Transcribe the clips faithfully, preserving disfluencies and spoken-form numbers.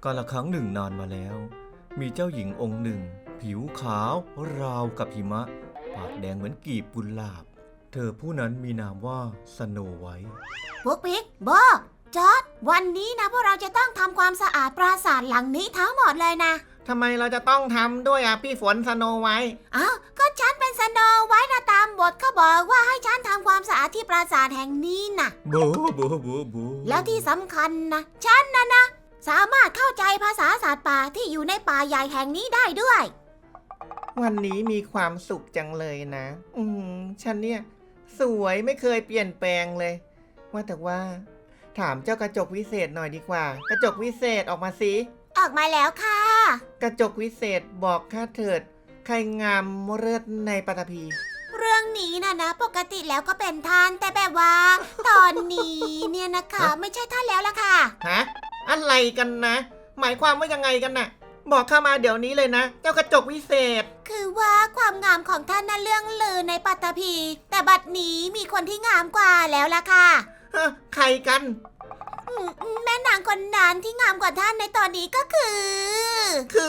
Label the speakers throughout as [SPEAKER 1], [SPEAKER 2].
[SPEAKER 1] กาลครั้งหนึ่งนานมาแล้วมีเจ้าหญิงองค์หนึ่งผิวขาวราวกับหิมะปากแดงเหมือนกีบกุหลาบเธอผู้นั้นมีนามว่าสโนไวท์
[SPEAKER 2] พวกพิกโบจอร์ดวันนี้นะพวกเราจะต้องทำความสะอาดปราสาทหลังนี้ทั้งหมดเลยนะ
[SPEAKER 3] ทำไมเราจะต้องทำด้วยอ่ะพี่ฝนสโนไวท์
[SPEAKER 2] อ้าวก็ฉันเป็นสโนไวท์นะตามบทเขาบอกว่าให้ฉันทำความสะอาดที่ปราสาทแห่งนี้นะ
[SPEAKER 1] บูบูบูบู
[SPEAKER 2] แล้วที่สำคัญนะฉันนะนะสามารถเข้าใจภาษาสัตว์ป่าที่อยู่ในป่าใหญ่แห่งนี้ได้ด้วย
[SPEAKER 3] วันนี้มีความสุขจังเลยนะ อืมฉันเนี่ยสวยไม่เคยเปลี่ยนแปลงเลยว่าแต่ว่าถามเจ้ากระจกวิเศษหน่อยดีกว่ากระจกวิเศษออกมาสิ
[SPEAKER 2] ออกมาแล้วค่ะ
[SPEAKER 3] กระจกวิเศษบอกข้าเถิดใครงามเลิศในปฐพี
[SPEAKER 2] เรื่องนี้นะนะปกติแล้วก็เป็นท่านแต่แบบว่า ตอนนี้เนี่ยนะคะไม่ใช่ท่านแล้วล่ะค่ะ
[SPEAKER 3] ฮะอะไรกันนะ หมายความว่ายังไงกันน่ะ บอกข้ามาเดี๋ยวนี้เลยนะ เจ้ากระจกวิเศษ
[SPEAKER 2] คือว่าความงามของท่านน่ะเรื่องลือในปัตตภีแต่บัดนี้มีคนที่งามกว่าแล้วล่ะค่ะ
[SPEAKER 3] ฮะใครกัน
[SPEAKER 2] อืมแม่นางคนนั้นที่งามกว่าท่านในตอนนี้ก็คือ
[SPEAKER 3] คือ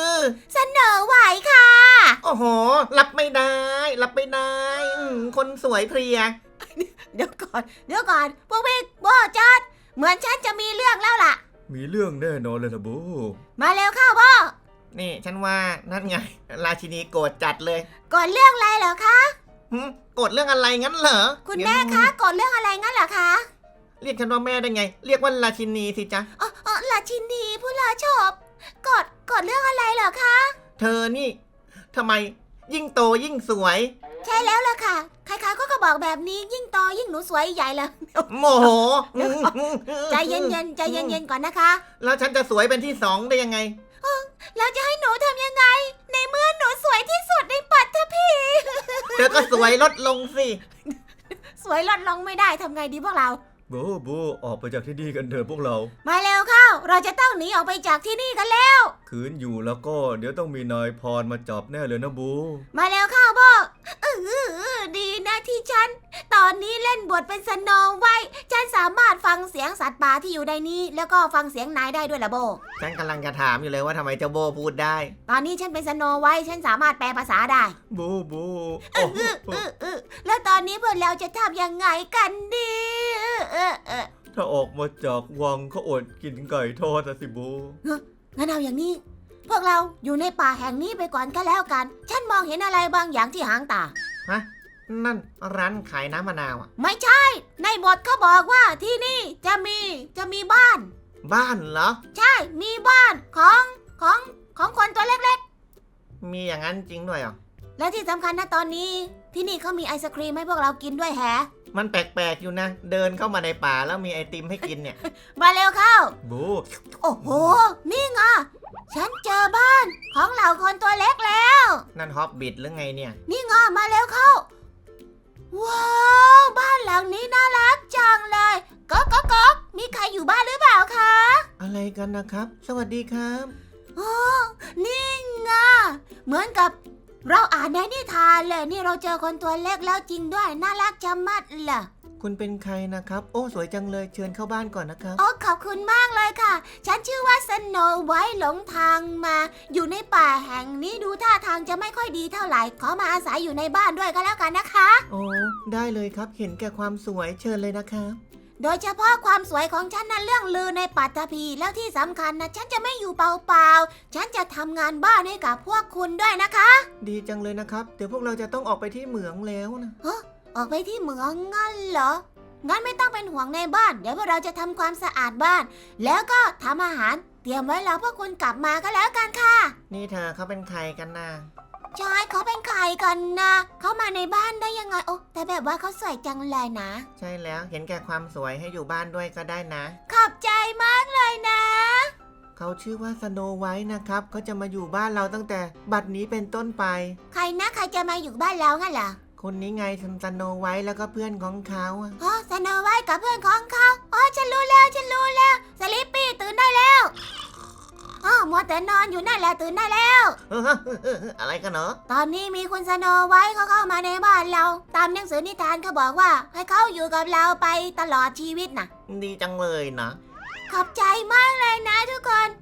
[SPEAKER 2] เสนอไหวค่ะ
[SPEAKER 3] โอ้โห รับไม่ได้ รับไม่ได้อืมคนสวยเพรีย
[SPEAKER 2] เดี๋ยวก่อนเดี๋ยวก่อนพวกพี่โบจอดเหมือนฉันจะมีเรื่องแล้วล่ะ
[SPEAKER 1] มีเรื่องแน่นอนเลยนะบู
[SPEAKER 2] มาเร็วเข้าโบ
[SPEAKER 3] นี่ฉันว่านั่นไง ราชินีโกรธจัดเลย
[SPEAKER 2] ก่อนเรื่องอะไรเหรอคะ
[SPEAKER 3] หึโกรธเรื่องอะไรงั้นเหรอ
[SPEAKER 2] คุณแม่คะก่อนเรื่องอะไรงั้นเหรอคะ
[SPEAKER 3] เรียกฉันว่าแม่ได้ไง เรียกว่าราชินีสิจ๊ะ
[SPEAKER 2] อ๋ออ๋อราชินีผู้ลาชอบกดกดเรื่องอะไรเหรอคะ
[SPEAKER 3] เธอนี่ทำไมยิ่งโตยิ่งสวย
[SPEAKER 2] ใช่แล้วล่ะค่ะใครๆก็ก็บอกแบบนี้ยิ่งโตยิ่งหนูสวยใหญ่เลย
[SPEAKER 3] โมโห
[SPEAKER 2] ใจเย็นๆใจเย็นๆก่อนนะคะ
[SPEAKER 3] แล้วฉันจะสวยเป็นที่สองได้ยังไง
[SPEAKER 2] แล้วจะให้หนูทำยังไง ในเมื่อหนูสวยที่สุดในปัตตภี
[SPEAKER 3] เธอก็สวยลดลงสิ
[SPEAKER 2] สวยลดลงไม่ได้ทำไงดีพวกเรา
[SPEAKER 1] บูบูออกไปจากที่นี่กันเถอะพวกเรา
[SPEAKER 2] มาเร็วเข้า เราจะต้องหนีออกไปจากที่นี่กันแล้ว
[SPEAKER 1] คืนอยู่แล้วก็เดี๋ยวต้องมีนายพรมาจับแน่เลยนะบู
[SPEAKER 2] มาเร็วเข้าบอกเออดีนะที่ฉัน ตอนนี้เล่นบทเป็นสโนไวท์ฉันสามารถฟังเสียงสัตว์ป่าที่อยู่ในนี้ แล้วก็ฟังเสียงนายได้ด้วยล่ะโบ
[SPEAKER 3] ฉันกำลังจะถามอยู่เลยว่าทำไมเจ้าโบพูดได้
[SPEAKER 2] ตอนนี้ฉันเป็นสโนไวท์ฉันสามารถแปลภาษาได้
[SPEAKER 1] บูบู
[SPEAKER 2] เออเออเออเออแล้วตอนนี้พวกเราจะทำยังไงกันดีเออเออ
[SPEAKER 1] ถ้าออกมาจากวังเขาอดกินไก่ทอดนะสิบู
[SPEAKER 2] งั้นเอาอย่างนี้ พวกเราอยู่ในป่าแห่งนี้ไปก่อนก็แล้วกัน ฉันมองเห็นอะไรบางอย่างที่หางตา
[SPEAKER 3] ฮะ นั่นร้านขายน้ำมะนาวอ่ะ
[SPEAKER 2] ไม่ใช่ ในบทเขาบอกว่าที่นี่จะมีจะมีบ้าน
[SPEAKER 3] บ้านเหรอ
[SPEAKER 2] ใช่ มีบ้านของของของคนตัวเล็ก
[SPEAKER 3] มีอย่างนั้นจริงด้วยเหรอ
[SPEAKER 2] ๆ และที่สำคัญนะตอนนี้ ที่นี่เขามีไอศครีมให้พวกเรากินด้วยแฮะ
[SPEAKER 3] มันแปลกๆอยู่นะ เดินเข้ามาในป่าแล้วมีไอติมให้กินเนี่ย
[SPEAKER 2] มาเร็วเข้า
[SPEAKER 1] บู
[SPEAKER 2] โอ้โห นี่ไงฉันเจอบ้านของเหล่าคนตัวเล็กแล้ว
[SPEAKER 3] นั่นฮอบบิทหรือไงเนี่ย
[SPEAKER 2] นี่ไงมาเร็วเข้า ว้าว บ้านหลังนี้น่ารักจังเลยก๊อกก๊อกก๊อกมีใครอยู่บ้านหรือเปล่าคะ
[SPEAKER 3] อะไรกันนะครับ สวัสดีครับ
[SPEAKER 2] โอ้นี่ไงเหมือนกับเราอ่านในนิทานเลยนี่เราเจอคนตัวเล็กแล้วจริงด้วยน่ารักจะมัดเลย
[SPEAKER 3] คุณเป็นใครนะครับ โอ้สวยจังเลยเชิญเข้าบ้านก่อนนะครับ
[SPEAKER 2] โอ้ขอบคุณมากเลยค่ะ ฉันชื่อว่าสโนไวท์หลงทางมา อยู่ในป่าแห่งนี้ดูท่าทางจะไม่ค่อยดีเท่าไหร่ขอมาอาศัยอยู่ในบ้านด้วยก็แล้วกันนะคะ
[SPEAKER 3] โอ้ได้เลยครับเห็นแก่ความสวยเชิญเลยนะครับ
[SPEAKER 2] โดยเฉพาะความสวยของฉันนั้นเรื่องลือในปัตตภีแล้วที่สำคัญนะฉันจะไม่อยู่เปล่าๆฉันจะทำงานบ้านให้กับพวกคุณด้วยนะคะ
[SPEAKER 3] ดีจังเลยนะครับ เดี๋ยวพวกเราจะต้องออกไปที่เหมืองแล้วนะ
[SPEAKER 2] ออกไปที่เหมืองงั้นเหรอ งั้นไม่ต้องเป็นห่วงในบ้าน เดี๋ยวพวกเราจะทำความสะอาดบ้าน แล้วก็ทำอาหารเตรียมไว้แล้วพวกคุณกลับมาก็แล้วกันค่ะ
[SPEAKER 3] นี่เธอเขาเป็นใครกันนะ
[SPEAKER 2] ใช่เขาเป็นใครกันนะเขามาในบ้านได้ยังไงโอ้แต่แบบว่าเขาสวยจังเลยนะ
[SPEAKER 3] ใช่แล้วเห็นแก่ความสวยให้อยู่บ้านด้วยก็ได้นะ
[SPEAKER 2] ขอบใจมากเลยนะ
[SPEAKER 3] เขาชื่อว่าสโนไวท์นะครับเขาจะมาอยู่บ้านเราตั้งแต่บัดนี้เป็นต้นไป
[SPEAKER 2] ใครนะใครจะมาอยู่บ้านเรางั้นเหรอ
[SPEAKER 3] คนนี้ไงสโนไวท์แล้วก็เพื่อนของเขาอะ
[SPEAKER 2] อ๋อสโนไวท์กับเพื่อนของเขาอ๋อฉันรู้แล้วฉันรู้แล้วสลิปปี้ตื่นได้แล้วอ๋อมัวแต่นอนอยู่นั่นแหละตื่นได้แล้ว
[SPEAKER 3] อะไรกันเนาะ
[SPEAKER 2] ตอนนี้มีคุณสโนไวท์เขาเข้ามาในบ้านเรา ตามหนังสือนิทานเขาบอกว่าให้เขาอยู่กับเราไปตลอดชีวิตนะ
[SPEAKER 3] ดีจังเลยนะ
[SPEAKER 2] ขอบใจมากเลยนะทุกคน งั้นเอา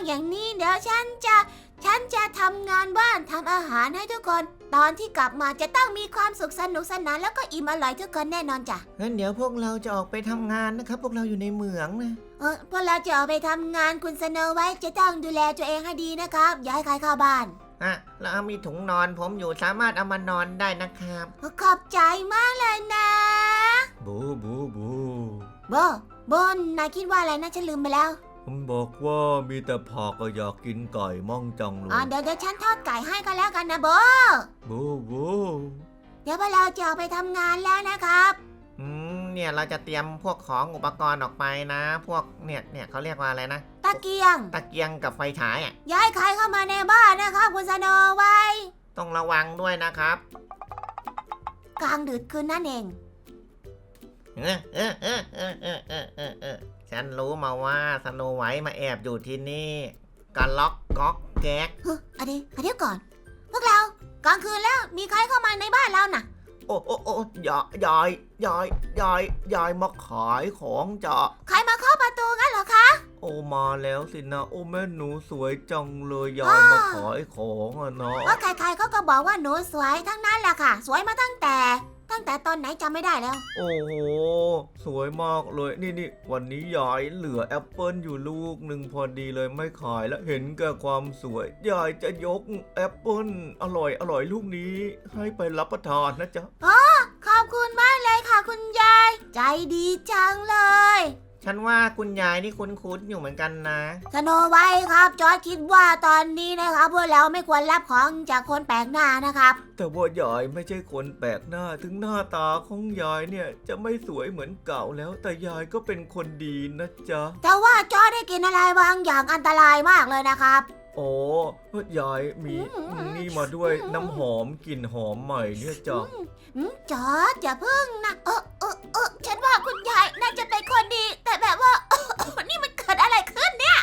[SPEAKER 2] อย่างนี้เดี๋ยวฉันจะฉันจะทำงานบ้านทำอาหารให้ทุกคน ตอนที่กลับมาจะต้องมีความสุขสนุกสนานแล้วก็อิ่มอร่อยทุกคนแน่นอนจ้ะ
[SPEAKER 3] งั้นเดี๋ยวพวกเราจะออกไปทำงานนะครับ พวกเราอยู่ในเหมืองนะ
[SPEAKER 2] เออพวกเราจะออกไปทำงานคุณสโนไว้จะต้องดูแลตัวเองให้ดีนะครับอย่าให้ใครเข้าบ้าน
[SPEAKER 3] อ่ะแล้วมีถุงนอนผมอยู่สามารถเอามานอนได้นะครับ
[SPEAKER 2] ขอบใจมากเลยนะ
[SPEAKER 1] บูบูบู
[SPEAKER 2] โบโบนนายคิดว่าอะไรนะฉันลืมไปแล้ว
[SPEAKER 1] ผมบอกว่ามีแต่ผักก็อยากกินไก่ม่องจังเล
[SPEAKER 2] อ๋อย เดี๋ยวเดี๋ยวฉันทอดไก่ให้ก็แล้วกันนะโบ
[SPEAKER 1] บูบู
[SPEAKER 2] เดี๋ยวพวกเราจะออกไปทำงานแล้วนะครับ
[SPEAKER 3] อืมเนี่ยเราจะเตรียมพวกของอุปกรณ์ออกไปนะ พวกเนี่ยเนี่ยเขาเรียกว่าอะไรนะ
[SPEAKER 2] ตะเกียง
[SPEAKER 3] ตะเกียงกับไฟฉายอ่ะ
[SPEAKER 2] ย้ายใครเข้ามาในบ้านนะครับคุณสโนไว้
[SPEAKER 3] ต้องระวังด้วยนะครับ
[SPEAKER 2] กลางดึกคืนนั่นเอง
[SPEAKER 3] เออเออเออเออเออเออเออเออฉันรู้มาว่าสโนไวท์มาแอบอยู่ที่นี่กันล็อกก๊อกแก๊ก
[SPEAKER 2] เฮ้ยอันนี้อันนี้ก่อน พวกเรากลางคืนแล้วมีใครเข้ามาในบ้านเราน่ะ
[SPEAKER 3] โอ้โอ้โอ้ยายยายยายยายยายมาขายของจ้ะ
[SPEAKER 2] ใครมาเคาะประตูงั้นเหรอคะ
[SPEAKER 1] โอ้มาแล้วสินะ โอ้แม่หนูสวยจังเลยยายมาขายของอะเนาะ
[SPEAKER 2] ว่าใครๆเขาก็บอกว่าหนูสวยทั้งนั้นแหละค่ะ สวยมาตั้งแต่ ตั้งแต่ตอนไหนจำไม่ได้แล้ว
[SPEAKER 1] โอ้โหสวยมากเลยนี่นี่วันนี้ยายเหลือแอปเปิลอยู่ลูกหนึ่งพอดีเลยไม่ขายแล้วเห็นแก่ความสวยยายจะยกแอปเปิลอร่อยอร่อยลูกนี้ให้ไปรับประทานนะจ๊ะ
[SPEAKER 2] ขอบคุณมากเลยค่ะคุณยาย ใจดีจังเลย
[SPEAKER 3] ฉันว่าคุณยายนี่คุ้นๆอยู่เหมือนกันนะ
[SPEAKER 2] สโนไว้ครับ จอร์จคิดว่าตอนนี้นะครับพวกเราไม่ควรรับของจากคนแปลกหน้านะครับ
[SPEAKER 1] แต่ว่ายายไม่ใช่คนแปลกหน้าถึงหน้าตาของยายเนี่ยจะไม่สวยเหมือนเก่าแล้ว แต่ยายก็เป็นคนดีนะจ๊ะ
[SPEAKER 2] แต่ว่าจอร์จได้กินอะไรบางอย่างอันตรายมากเลยนะครับ
[SPEAKER 1] โอ้ยายมีนี่มาด้วยน้ำหอมกลิ่นหอมใหม่เนี่ยจ้ะ
[SPEAKER 2] อืมจอร์จอย่าพึ่งนะ เออเออเออฉันว่าคุณยายน่าจะเป็นคนดี แต่แบบว่า นี่มันเกิดอะไรขึ้นเนี่ย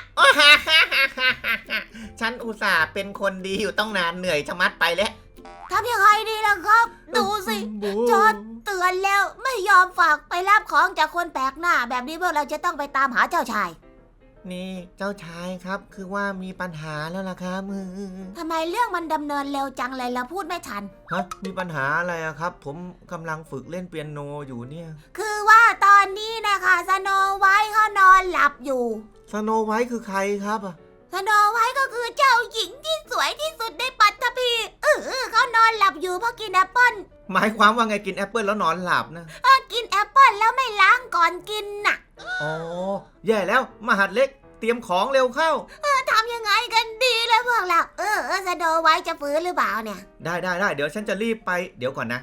[SPEAKER 3] ฉันอุตส่าห์เป็นคนดีอยู่ต้องนานเหนื่อยชะมัดไปแล้ว
[SPEAKER 2] ทำยังไงดีล่ะครับ ดูสิ
[SPEAKER 1] บู
[SPEAKER 2] จอร์จเตือนแล้วไม่ยอมฝากไปรับของจากคนแปลกหน้า แบบนี้พวกเราจะต้องไปตามหาเจ้าชาย
[SPEAKER 3] นี่เจ้าชายครับคือว่ามีปัญหาแล้วล่ะครับมือ
[SPEAKER 2] ทำไมเรื่องมันดำเนินเร็วจังเลยเราพูดไม่ทัน
[SPEAKER 1] ฮะมีปัญหาอะไรอะครับ ผมกำลังฝึกเล่นเปียโนอยู่เนี่ย
[SPEAKER 2] คือว่าตอนนี้นะคะสโนไวท์เขานอนหลับอยู่
[SPEAKER 1] สโนไวท์คือใครครับอะ
[SPEAKER 2] สโนไวท์ก็คือเจ้าหญิงที่สวยที่สุดในปัตตภีเออเออเขานอนหลับอยู่เพราะกินแอปเปิ้ล
[SPEAKER 3] หมายความว่าไงกินแอปเปิลแล้วนอนหลับนะ
[SPEAKER 2] เออกินแอปเปิ้ลแล้วไม่ล้างก่อนกินน่ะ
[SPEAKER 3] อ๋อแย่แล้วมหัดเล็กเตรียมของเร็วเข้า
[SPEAKER 2] ทำยังไงกันดีเลยพวกเรา เออเออสโนไวท์จะฟื้นหรือเปล่าเนี่ย
[SPEAKER 3] ได้ได้ได้เดี๋ยวฉันจะรีบไปเดี๋ยวก่อนนะ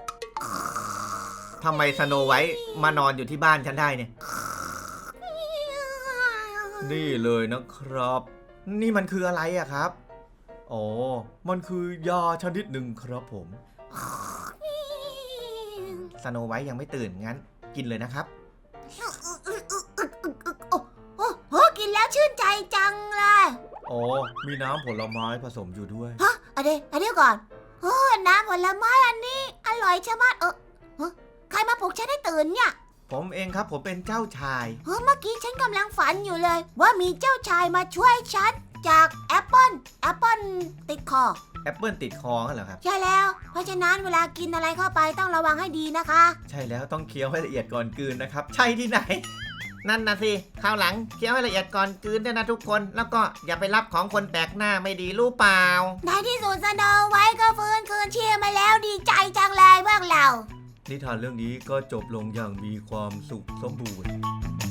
[SPEAKER 3] ทำไมสโนไวท์มานอนอยู่ที่บ้านฉันได้เนี่ย
[SPEAKER 1] นี่เลยนะครับ
[SPEAKER 3] นี่มันคืออะไรอะครับ
[SPEAKER 1] อ๋อมันคือยาชนิดหนึ่งครับผม
[SPEAKER 3] สโนไวท์ยังไม่ตื่นงั้น กินเลยนะครับ
[SPEAKER 2] โอ้โอ้โหกินแล้วชื่นใจจังเลย
[SPEAKER 1] อ๋อมีน้ำผลไม้ผสมอยู่ด้วย
[SPEAKER 2] ฮะอันเดียวอันเดียวก่อนโอ้น้ำผลไม้อันนี้ อร่อยชะมัดเออเฮ้ยใครมาปลุกฉันให้ตื่นเนี่ย
[SPEAKER 3] ผมเองครับผมเป็นเจ้าชาย
[SPEAKER 2] เฮ้ยเมื่อกี้ฉันกำลังฝันอยู่เลย ว่ามีเจ้าชายมาช่วยฉันจากแอปเปิลแอปเปิลติดคอ
[SPEAKER 3] แอปเปิลติดคอกันเหรอครับ
[SPEAKER 2] ใช่แล้ว เพราะฉะนั้นเวลากินอะไรเข้าไปต้องระวังให้ดีนะคะ
[SPEAKER 3] ใช่แล้วต้องเคี้ยวให้ละเอียดก่อนกลืนนะครับ ใช่ที่ไหน นั่นนะสิคราวหลังเคี้ยวให้ละเอียดก่อนกลืนด้วยนะทุกคน แล้วก็อย่าไปรับของคนแปลกหน้าไม่ดีรู้เปล่า
[SPEAKER 2] ในที่สุดสโนไวท์ก็ฟื้นคืนชีพมาแล้วดีใจจังเลยพวกเรา
[SPEAKER 1] นิทานเรื่องนี้ก็จบลงอย่างมีความสุขสมบูรณ์